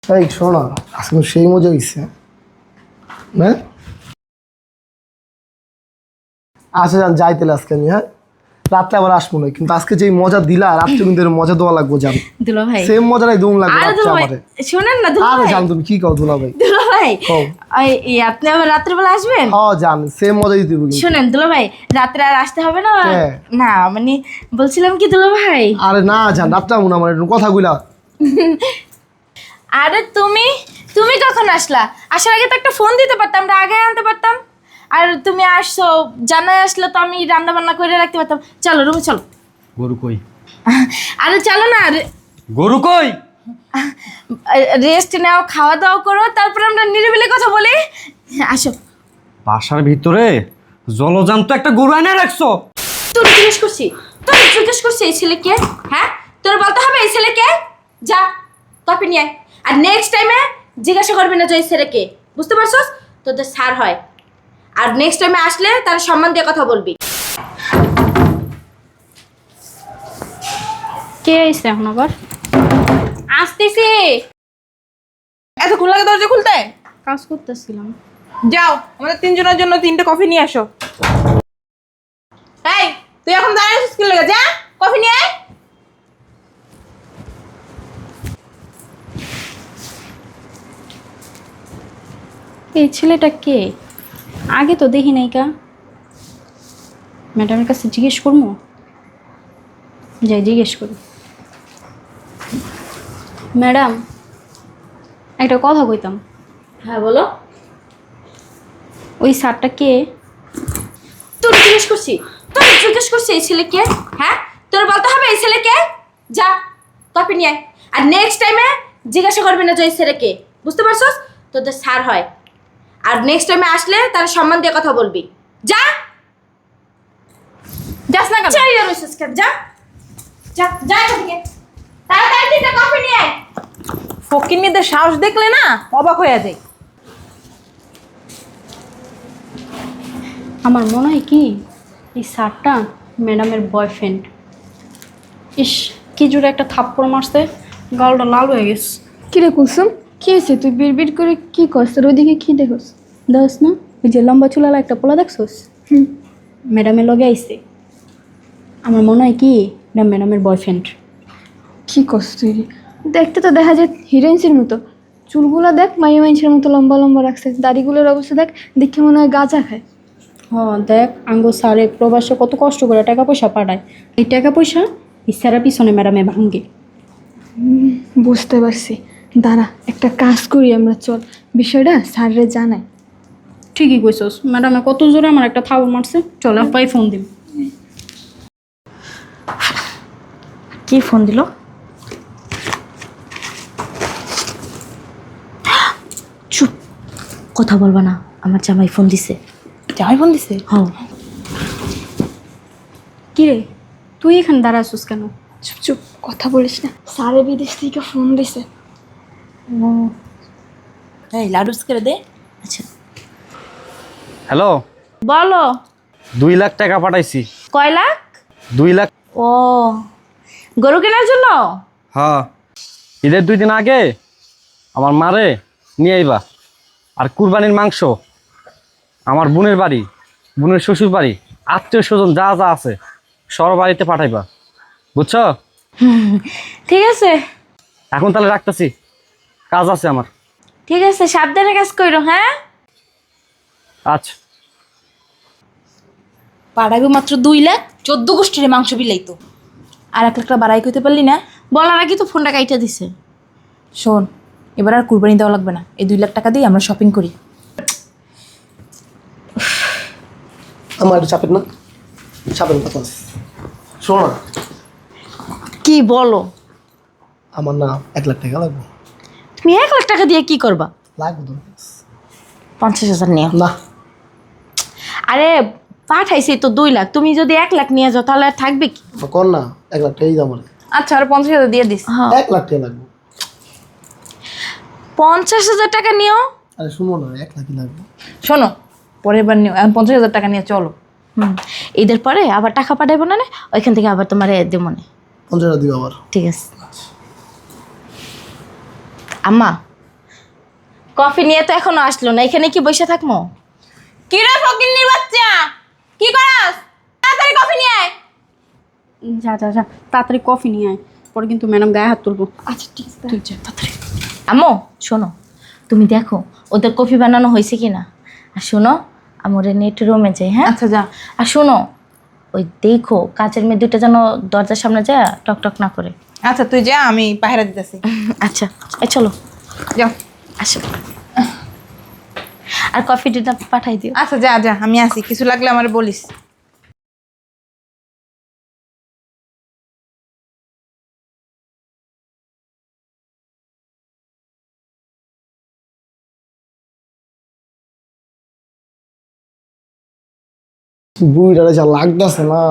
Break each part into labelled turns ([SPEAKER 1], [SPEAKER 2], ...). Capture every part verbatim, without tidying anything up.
[SPEAKER 1] এই শোনো, আজকে সেই মজা হয়েছে। হ্যাঁ আচ্ছা যান, যাই তাহলে আজকে আমি। হ্যাঁ রাত্রে আবার আসবো না, কিন্তু আজকে যে মজা দিলা রাত্রে কিন্তু এর মজা দেওয়া লাগবো। জান
[SPEAKER 2] দুলা ভাই
[SPEAKER 1] সেম মজাটাই দুম লাগবে
[SPEAKER 2] আরে
[SPEAKER 1] রাত্রে
[SPEAKER 2] দুলা ভাই
[SPEAKER 1] আমারে।
[SPEAKER 2] শুনেন না দুলা
[SPEAKER 1] আরে
[SPEAKER 2] ভাই
[SPEAKER 1] জান তুমি কি কও দুলা ভাই?
[SPEAKER 2] দুলা ভাই
[SPEAKER 1] কও।
[SPEAKER 2] এই এই আপনি আবার রাত্রে বেলা আসবেন?
[SPEAKER 1] হ্যাঁ জান সেম মজাই দিব কিন্তু।
[SPEAKER 2] শুনেন দুলা ভাই রাত্রে আর আসতে হবে না।
[SPEAKER 1] কে?
[SPEAKER 2] না মানে বলছিলাম কি দুলা ভাই,
[SPEAKER 1] আরে না জান রাত্রে আমু না, আমার একটু কথা কইলা।
[SPEAKER 2] আরে তুমি তুমি কখন আসলা? আসার আগে তো একটা ফোন দিতে পারতাম, আমরা আগে আনতে পারতাম। আর তুমি আসছো, জানাই আসলে তো আমি রান্না বান্না করে রাখতে পারতাম। চলো রুমে চলো।
[SPEAKER 3] গরু কই?
[SPEAKER 2] আরে চলো না,
[SPEAKER 3] গরু কই?
[SPEAKER 2] রেস্ট নাও, খাওয়া দাওয়া করো, তারপর আমরা নিরিবিলি কথা বলি। আসো।
[SPEAKER 3] বাসার ভিতরে জলজান্ত একটা গরু এনে রাখছো?
[SPEAKER 2] তোর জিজ্ঞেস করছি তোর জিজ্ঞেস করছি এই ছেলে কে? হ্যাঁ তোর বলতে হবে এই ছেলে কে। যা কপি নিয়ে আয়। আর নেক্সট টাইমে জিজ্ঞাসা করবি না যে এই ছেলে কে, বুঝতে পারছস? তোদের স্যার হয়। আর নেক্সট টাইমে আসলে তার সম্মান দিয়ে কথা বলবি।
[SPEAKER 4] কে আইছে এখন আবার? আসতেছি,
[SPEAKER 5] এতক্ষণ লাগে দরজা খুলতে?
[SPEAKER 4] কাজ করতেছিলাম।
[SPEAKER 5] যাও আমাদের তিনজনের জন্য তিনটে কফি নিয়ে আসো। এই তুই এখন দাঁড়িয়ে আছিস কি লাগে? যা কফি নিয়ে আয়।
[SPEAKER 4] এই ছেলেটা কে? আগে তো দেখি নাই কা। ম্যাডামের কাছে জিজ্ঞেস করবো, যাই জিজ্ঞেস করি। ম্যাডাম একটা কথা কইতাম।
[SPEAKER 2] হ্যাঁ বলো।
[SPEAKER 4] ওই স্যারটা কে?
[SPEAKER 2] তোর জিজ্ঞেস করছি তোর জিজ্ঞেস করছি এই ছেলে কে। হ্যাঁ তোর বলতে হবে এই ছেলে কে। যা কপি নিয়ে আয়। আর নেক্সট টাইমে জিজ্ঞাসা করবি না যে এই ছেলে কে, বুঝতে পারছস? তোদের স্যার হয়। আর নেক্সট টাইমে আসলে তার সম্মান দিয়ে কথা বলবি। যা
[SPEAKER 5] যাস না কেন?
[SPEAKER 2] চাই আর ওইসব কেন, যা যা যা এখান থেকে। তাড়াতাড়ি তিনটা কপি নিয়ে আয়।
[SPEAKER 5] ফকিন্নিদের সাহস দেখলে না অবাক হয়ে যায়।
[SPEAKER 4] আমার মনে হয় কি এই স্যারটা ম্যাডামের বয়ফ্রেন্ড। ইস কি জোরে একটা থাপ্পড় মারছে, গালটা লাল হয়ে গেছে।
[SPEAKER 6] কিরে কুলসুম, কি হয়েছে? তুই বিড় বিড় করে কি করছ? তোর ওইদিকে কি দেখোস?
[SPEAKER 4] দেখস না ওই যে লম্বা চুলালা একটা পোলা দেখছোস?
[SPEAKER 6] হুম,
[SPEAKER 4] ম্যাডামের লগে আইছে। আমার মনে হয় কি এটা ম্যাডামের বয়ফ্রেন্ড।
[SPEAKER 6] কি করছ তুই? দেখতে তো দেখা যায় হিরোইন্সের মতো। চুলগুলো দেখ মাইয়া মাইনসের মতো লম্বা লম্বা রাখছে। দাড়িগুলোর অবস্থা দেখ, দেখে মনে হয় গাঁজা খায়।
[SPEAKER 4] হ্যাঁ দেখ আঙ্গো স্যারে প্রবাসে কত কষ্ট করে টাকা পয়সা পাঠায়। এই টাকা পয়সা এই স্যারের পিছনে ম্যাডামে ভাঙ্গে।
[SPEAKER 6] বুঝতে পারছি, দাঁড়া একটা কাজ করি আমরা, চল বিষয়টা স্যাররে জানাই।
[SPEAKER 4] ঠিকই কইছস, ম্যাডামে কত জোরে আমার একটা থাবর মারছে। চল আপাই ফোন দিম।
[SPEAKER 2] কি ফোন দিল? চুপ, কথা বলবা না। আমার জামাই ফোন দিছে।
[SPEAKER 5] জামাই ফোন দিছে?
[SPEAKER 2] হ্যাঁ।
[SPEAKER 4] কি রে তুই এখানে দাঁড়াছিস কেন?
[SPEAKER 6] চুপ চুপ, কথা বলিস না। স্যারে বিদেশ থেকে ফোন দিছে।
[SPEAKER 2] এই লাউড স্পিকারে দে। আচ্ছা
[SPEAKER 3] হ্যালো,
[SPEAKER 2] বলো।
[SPEAKER 3] দুই লাখ টাকা পাঠাইছি।
[SPEAKER 2] কয় লাখ?
[SPEAKER 3] দুই লাখ।
[SPEAKER 2] ও গরু কেনার জন্য?
[SPEAKER 3] হ্যাঁ, ঈদের দুই দিন আগে আমার মারে নিয়ে আইবা। আর কুরবানির মাংস আমার বোনের বাড়ি, বোনের শ্বশুর বাড়ি, আত্মীয় স্বজন যা যা আছে সব বাড়িতে পাঠাইবা, বুঝছো?
[SPEAKER 2] ঠিক আছে
[SPEAKER 3] এখন তাহলে রাখতেছি, কাজ আছে আমার।
[SPEAKER 2] ঠিক আছে, সাবধানে কাজ করো। হ্যাঁ
[SPEAKER 3] আচ্ছা।
[SPEAKER 5] পাড়াইবো মাত্র দুই লাখ, চোদ্দ গোষ্ঠীর মাংস বিলাইতো। আর এক লাখটা বাড়াই করতে পারলি না?
[SPEAKER 2] বলার আগে তো ফোনটা কাইটা দিছে।
[SPEAKER 5] শোন, এবার আর কুরবানি দেওয়া লাগবে না। এই দুই লাখ টাকা দিয়ে আমরা শপিং করি।
[SPEAKER 1] আমার একটু চাপের না, চাপের কথা আছে। শোনো না,
[SPEAKER 2] কি বলো?
[SPEAKER 1] আমার না এক লাখ টাকা লাগবে।
[SPEAKER 2] তুমি এক লাখ টাকা দিয়ে কি করবা?
[SPEAKER 1] লাগবে তো
[SPEAKER 2] পঞ্চাশ হাজার নিয়ে।
[SPEAKER 1] না।
[SPEAKER 2] আরে পাঠাইছি তো দুই লাখ, তুমি যদি এক লাখ নিয়ে যাও তাহলে আর থাকবে কি?
[SPEAKER 1] কর না, এক লাখ টাকাই দাম।
[SPEAKER 5] আচ্ছা আর পঞ্চাশ হাজার দিয়ে দিস।
[SPEAKER 2] হ্যাঁ
[SPEAKER 1] এক লাখ টাকা লাগবে।
[SPEAKER 2] পঞ্চাশ হাজার টাকা নিও।
[SPEAKER 1] আরে শুনো না, এক লাখই লাগবে।
[SPEAKER 5] শোনো, পরের বার নিও, এখন পঞ্চাশ হাজার টাকা নিয়ে চলো।
[SPEAKER 2] হুম ঈদের পরে আবার টাকা পাঠাইবো না, ওইখান থেকে আবার তোমার দেবো না।
[SPEAKER 1] পঞ্চাশ হাজার দিবে আবার।
[SPEAKER 2] ঠিক আছে আম্মা। কফি নিয়ে তো এখনো আসলো না, এখানে কি বসে থাকবো?
[SPEAKER 5] কি রে ফকিন্নির বাচ্চা, কি করাস? তাড়াতাড়ি কফি নিয়ে আয়।
[SPEAKER 4] যা যা যা তাড়াতাড়ি কফি নিয়ে আয়, পরে কিন্তু ম্যাডাম গায়ে হাত তুলবো।
[SPEAKER 6] আচ্ছা ঠিক আছে।
[SPEAKER 4] তুই যা তাড়াতাড়ি।
[SPEAKER 2] আম্মু শোনো, তুমি দেখো ওদের কফি বানানো হয়েছে কিনা। আর শোনো, আমার নেট রুমে যাই, হ্যাঁ?
[SPEAKER 5] আচ্ছা যা।
[SPEAKER 2] আর শোনো, ওই দেখো কাচের মেয়ে দুইটা যেন দরজার সামনে যায় টক টক না করে।
[SPEAKER 5] আচ্ছা তুই যা, আমি পাহারা দিতেছি।
[SPEAKER 2] আচ্ছা এই চলো
[SPEAKER 5] যাও।
[SPEAKER 2] আসো, আর কফিটা পাঠাই দিও।
[SPEAKER 5] আচ্ছা যা যা, আমি আসি, কিছু লাগলে আমার বলিস।
[SPEAKER 1] বুড়িটারে যা লাগতেছে না,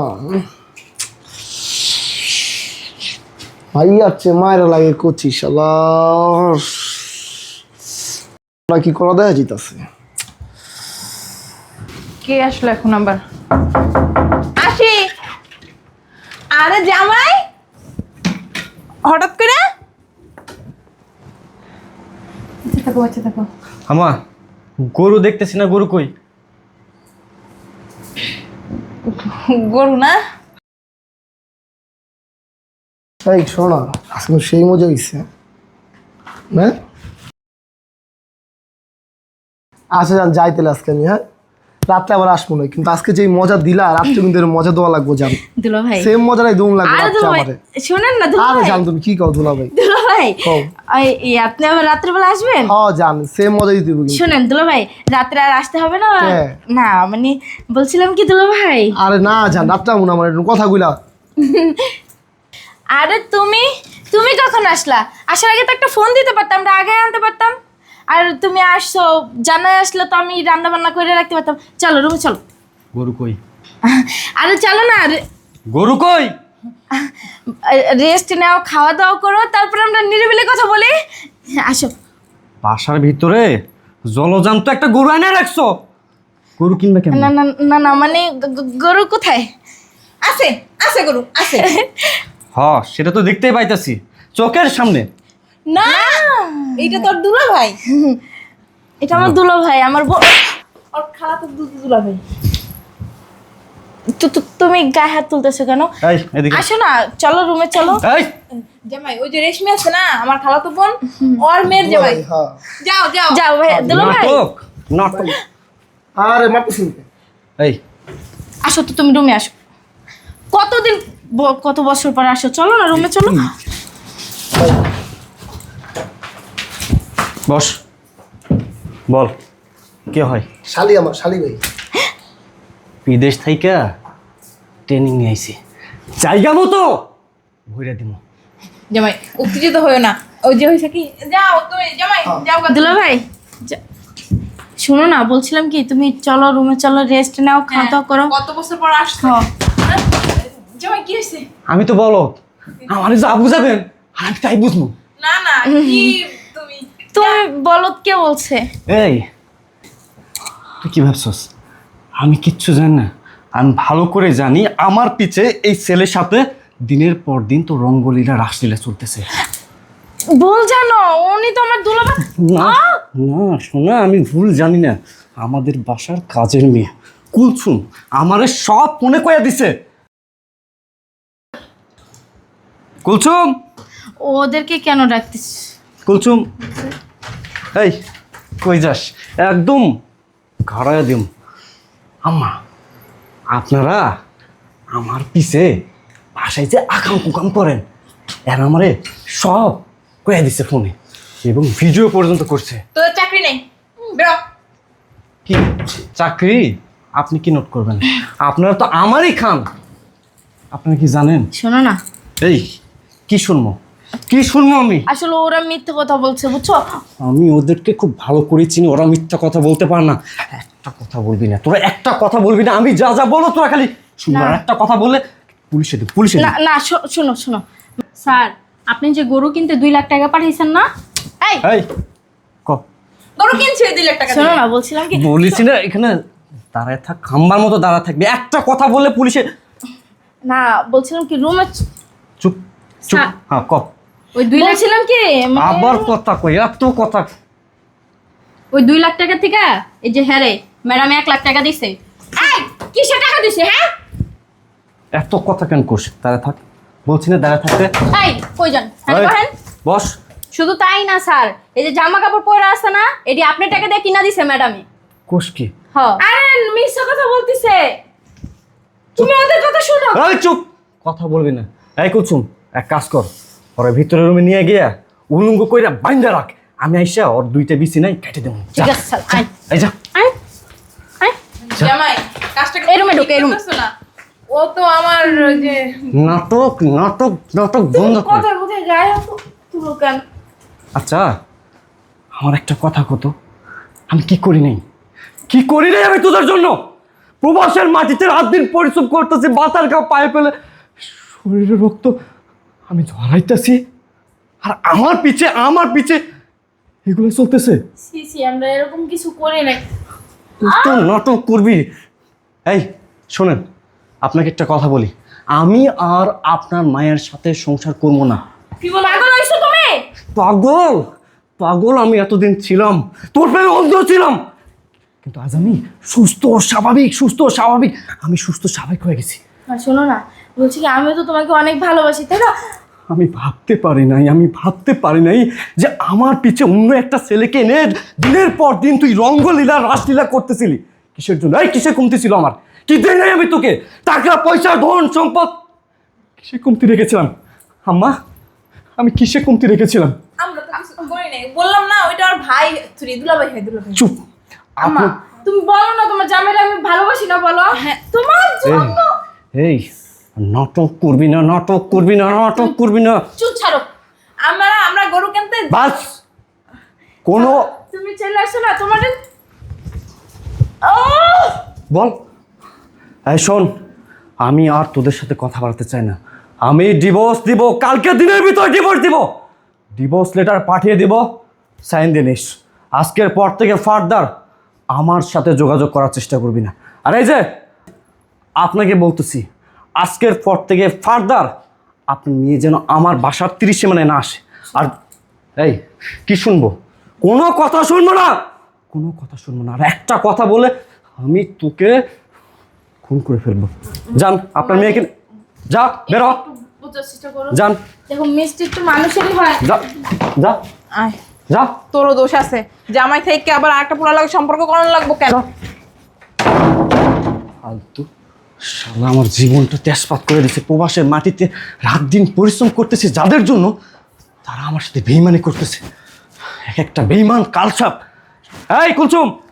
[SPEAKER 1] ভাই যাচ্ছে মায়ের লাগে করছি শালা কি করা দেয়া যেতেছে।
[SPEAKER 5] কে আসলো এখন আবার? আসি। আরে জামাই, হঠাৎ করে? আচ্ছা থাকো, আচ্ছা থাকো।
[SPEAKER 3] আমা গরু দেখতেছি না, গরু কই?
[SPEAKER 5] গরু না?
[SPEAKER 1] এই শোনা, আজকে সেই মজা হয়েছে হ্যাঁ। আচ্ছা যান যাই তাহলে আজকে আমি, হ্যাঁ রাত্রে আবার আসবো না, কিন্তু আজকে যে মজা দিলা রাত্রে কিন্তু এর মজা দেওয়া লাগবো, জান
[SPEAKER 2] দুলো ভাই,
[SPEAKER 1] সেম মজাটাই দুম লাগবে
[SPEAKER 2] আরে
[SPEAKER 1] রাত্রে
[SPEAKER 2] দুলো ভাই
[SPEAKER 1] আমারে।
[SPEAKER 2] শোনেন না দুলো
[SPEAKER 1] আরে
[SPEAKER 2] ভাই,
[SPEAKER 1] জান তুমি কি কও দুলা ভাই?
[SPEAKER 2] দুলো ভাই
[SPEAKER 1] কও।
[SPEAKER 2] ওই এই আপনি আবার রাত্রেবেলা আসবেন?
[SPEAKER 1] হ্যাঁ জান সেম মজা দিতে হবে কিন্তু।
[SPEAKER 2] শোনেন দুলো ভাই, রাত্রে আর আসতে হবে না।
[SPEAKER 1] হ্যাঁ।
[SPEAKER 2] না মানে বলছিলাম কি দুলো ভাই,
[SPEAKER 1] আরে না জান রাত্রে আমু না, আমার একটু কথা কইলা।
[SPEAKER 2] আরে তুমি তুমি কখন আসলা? আসার আগে তো একটা ফোন দিতে পারতাম, আমরা আগে আনতে পারতাম। আর তুমি আসছো, জানাই আসলে তো আমি রান্না বান্না করে রাখতে পারতাম। চলো রুমে চলো।
[SPEAKER 3] গরু কই?
[SPEAKER 2] আরে চলো না,
[SPEAKER 3] গরু কই?
[SPEAKER 2] রেস্ট নাও, খাওয়া দাওয়া করো, তারপর আমরা নিরিবিলি কথা বলি। আসো।
[SPEAKER 3] বাসার ভিতরে জলজান্ত একটা গরু এনে রাখছো, গরু কিনবে কেন?
[SPEAKER 2] না না না না মানে গ- গ- গরু কোথায়?
[SPEAKER 5] আছে আছে গরু আছে।
[SPEAKER 3] হ সেটা তো দেখতেই পাইতাছি চোখের সামনে।
[SPEAKER 5] না এইটা তোর দুলা ভাই।
[SPEAKER 2] এটা আমার দুলো ভাই, আমার ব-
[SPEAKER 5] ওর খালা তো দুধ দুলা ভাই।
[SPEAKER 2] তু- তু- তুমি গায়ে হাত তুলতেছো কেন?
[SPEAKER 3] এই এদিকে
[SPEAKER 2] আসো না, চলো রুমে চলো।
[SPEAKER 3] এই
[SPEAKER 5] জামাই ওই যে রেশমি আছে না, আমার খালা তো বোন, ওর মেয়ের জামাই।
[SPEAKER 1] হ্যাঁ
[SPEAKER 5] যাও যাও
[SPEAKER 2] যাও ভাই, দুলো ভাই
[SPEAKER 3] নাটক নাটক।
[SPEAKER 1] আরে মারতেছি না।
[SPEAKER 3] এই
[SPEAKER 2] আসো তো, তুমি রুমে আসো। কতদিন ব- কত বছর পর আসো, চলো না রুমে চলো।
[SPEAKER 3] বস, বল কে হয়?
[SPEAKER 1] শালি আমার শালি ভাই।
[SPEAKER 3] বিদেশ থাইকা ট্রেনিং নিয়ে আইছি, জায়গা মতো ভইরা দিমু।
[SPEAKER 5] জামাই উত্তেজিত হয়েও না, ওই যে হয়েছে কি, যাও তুমি জামাই যাও গা।
[SPEAKER 2] দুলো ভাই যা- শোনো না, বলছিলাম কি তুমি চলো রুমে চলো, রেস্ট নাও, খাওয়া দাওয়া করো।
[SPEAKER 5] কত বছর পর আসছো?
[SPEAKER 2] হ্যাঁ।
[SPEAKER 5] জামাই কি হয়েছে?
[SPEAKER 3] আমি তো বলো আমার যা বুঝাবেন আর আমি তাই বুঝবো।
[SPEAKER 5] না না কি তুমি
[SPEAKER 2] তুমি বলো কে বলছে?
[SPEAKER 3] এই তুই কি ভাবছস আমি কিচ্ছু জানি না? আমি ভালো করে জানি আমার পিছে এই ছেলের সাথে দিনের পর দিন তো রঙ্গলীলা রাসলীলা চলতেছে।
[SPEAKER 2] বল জানো, উনি তো আমার দুলো ভাই।
[SPEAKER 3] না না শোনা, আমি ভুল জানি না। আমাদের বাসার কাজের মেয়ে কুলছুম আমারে সব মনে কইয়া দিছে। কুলছুম
[SPEAKER 2] ওদেরকে কেন ডাকতিস?
[SPEAKER 3] কুলছুম এই কই যাস? একদম ঘাড়ায় দিম। আম্মা আপনারা আমার পিছে বাসায় যে আকাম কুকাম করেন এর আমারে সব কয়ে দিছে ফোনে, এবং ভিডিও পর্যন্ত করছে।
[SPEAKER 5] তোর চাকরি নেই, বেরো।
[SPEAKER 3] কি চাকরি? আপনি কি নোট করবেন? আপনারা তো আমারই খান। আপনারা কি জানেন?
[SPEAKER 2] শোনো না,
[SPEAKER 3] এই কি শুনবো কি শুনবো আমি?
[SPEAKER 2] আসলে ওরা মিথ্যে কথা বলছে, বুঝছো?
[SPEAKER 3] আমি ওদেরকে খুব ভালো করে চিনি, ওরা মিথ্যা কথা বলতে পারে না। একটা কথা বলবি না তোরা, একটা কথা বলবি না। আমি যা যা বলো তোরা খালি শুনবো, আর একটা কথা বললে পুলিশে দে পুলিশে দে।
[SPEAKER 2] না না শো- শোনো শোনো,
[SPEAKER 4] স্যার আপনি যে গরু কিনতে দুই লাখ টাকা পাঠিয়েছেন না?
[SPEAKER 2] এই
[SPEAKER 3] এই ক
[SPEAKER 5] গরু কিনছে দুই লাখ টাকা
[SPEAKER 2] শোনো
[SPEAKER 5] দিয়ে।
[SPEAKER 2] না, বলছিলাম কি,
[SPEAKER 3] বলেছি না এখানে দাঁড়ায় থাক, খাম্বার মতো দাঁড়া থাকবি। একটা কথা বললে পুলিশে।
[SPEAKER 2] না বলছিলাম কি রুমে
[SPEAKER 3] চুপ চুপ।
[SPEAKER 4] স্যার।
[SPEAKER 3] হ্যাঁ ক।
[SPEAKER 4] ওই দুই লাখ
[SPEAKER 2] বলছিলাম কি মানে-
[SPEAKER 3] আবার কথা কই, এত কথা।
[SPEAKER 4] ওই দুই লাখ টাকা থেকে এই যে হ্যাঁ রে ম্যাডাম এক লাখ টাকা দিছে।
[SPEAKER 2] এই কিসে টাকা দিছে হ্যাঁ?
[SPEAKER 3] এত কথা কেন করছিস? দাঁড়া থাক, বলছি না দাঁড়া থাকতে।
[SPEAKER 4] এই কই যান? হ্যাঁ
[SPEAKER 3] এই,
[SPEAKER 4] বহেন।
[SPEAKER 3] বস।
[SPEAKER 4] শুধু তাই না স্যার, এই যে জামা কাপড় পরে আছে না, এটি আপনি টাকা দিয়ে কিনা দিছে ম্যাডামে।
[SPEAKER 3] কোষ কি?
[SPEAKER 4] হ্যাঁ।
[SPEAKER 2] আরে মিথ্যা কথা বলতিছে, তুমি ওদের কথা শুনো।
[SPEAKER 3] এই চুপ, কথা বলবি না। এই কুলসুম, এক কাজ কর, ওরা ভিতরের রুমে নিয়ে গিয়া উলঙ্গ কইরা বাইন্দা রাখ, আমি আইসা ওর দুইটা বিসি নাই কেটে দেবো।
[SPEAKER 4] ঠিক আছে স্যার, আয়
[SPEAKER 3] এই যা।
[SPEAKER 4] আয় আয়।
[SPEAKER 5] জামাই কাজটা
[SPEAKER 4] এই রুমে ঢুকে, এই রুমে।
[SPEAKER 5] করতেছো না? ও তো আমার ওই যে
[SPEAKER 3] নাটক নাটক নাটক বন্ধ কর।
[SPEAKER 2] কথা কোথায় গায়ে তুলো কেন?
[SPEAKER 3] আচ্ছা, আমার একটা কথা কত, আমি কি করি নাই, কি করি নাই আমি তোদের জন্য? প্রবাসের মাটিতে রাত দিন পরিশ্রম করতেছি, বাতার কাপ পায়ে ফেলে শরীরে রক্ত আমি ঝরাইতেছি, আর আমার পিছে আমার পিছে এগুলো চলতেছে।
[SPEAKER 2] সি সি আমরা এরকম কিছু করি নাই।
[SPEAKER 3] তো নাটক করবি। এই শোনেন, আপনাকে একটা কথা বলি, আমি আর আপনার মায়ের সাথে সংসার করবো না।
[SPEAKER 2] কি বল পাগল হইছো তুমি?
[SPEAKER 3] পাগল পাগল আমি এতদিন ছিলাম, তোর প্রেমে অন্ধ ছিলাম, কিন্তু আজ আমি সুস্থ স্বাভাবিক, সুস্থ স্বাভাবিক, আমি সুস্থ স্বাভাবিক হয়ে গেছি।
[SPEAKER 2] আর শোনো না, বলছি কি আমিও তো তোমাকে অনেক ভালোবাসি তাই না?
[SPEAKER 3] আমি ভাবতে পারি নাই, আমি ভাবতে পারি নাই যে আমার পিছে অন্য একটা ছেলেকে এনে দিনের পর দিন তুই রঙ্গলীলা রাসলীলা করতেছিলি। কিসের জন্য? এই কিসে কমতি ছিল আমার? কি দেয় নাই আমি তোকে? টাকা পয়সা ধন সম্পদ কিসে কমতি রেখেছিলাম? আম্মা, আমি কিসে কমতি রেখেছিলাম?
[SPEAKER 5] আমরা তো কিছু করি নাই, বললাম না ওইটা আর ভাই তুই দুলাভাই হয় দুলাভাই।
[SPEAKER 3] চুপ।
[SPEAKER 2] আম্মা
[SPEAKER 3] আপনি-
[SPEAKER 2] তুমি বলো না তোমার জামাইরা আমি ভালোবাসি না, বলো।
[SPEAKER 5] হ্যাঁ।
[SPEAKER 2] তোমার জন্য।
[SPEAKER 3] এই নাটক করবি না, নাটক করবি না, নাটক করবি না।
[SPEAKER 5] চুপ ছাড়ো, আমরা আমরা গরু কিনতে
[SPEAKER 3] বাস কোনো
[SPEAKER 2] তুমি চলে আসো না তোমার।
[SPEAKER 3] বল। এই শোন, আমি আর তোদের সাথে কথা বলতে চাই না, আমি ডিভোর্স দিব, কালকে দিনের ভিতর ডিভোর্স দিব, ডিভোর্স লেটার পাঠিয়ে দিব, সাইন দিয়ে নিস। আজকের পর থেকে ফার্দার আমার সাথে যোগাযোগ করার চেষ্টা করবি না। আর এই যে আপনাকে বলতেছি, আজকের পর থেকে ফার্দার আপনি নিয়ে যেন আমার বাসার তিরিশে মানে না আসে। আর এই কি শুনবো? কোনো কথা শুনবো না, কোনো কথা শুনবো না। আর একটা কথা বলে আমি তোকে খুন করে ফেলবো। যান, আপনার মেয়েকে যা, বেরো,
[SPEAKER 2] বুঝার চেষ্টা করো।
[SPEAKER 3] যান,
[SPEAKER 2] দেখো মিষ্টি একটু মানুষেরই হয়।
[SPEAKER 3] যা যা
[SPEAKER 5] আয়,
[SPEAKER 3] যা
[SPEAKER 5] তোরও দোষ আছে, জামাই থেকে আবার আরেকটা পোলা লাগে সম্পর্ক করানো লাগবো কেন?
[SPEAKER 3] যা। ফালতু শালা আমার জীবনটা তেজপাত করে দিচ্ছে। প্রবাসের মাটিতে রাত দিন পরিশ্রম করতেছে যাদের জন্য, তারা আমার সাথে বেইমানি করতেছে। এক একটা বেইমান কালসাপ। এই কুলসুম,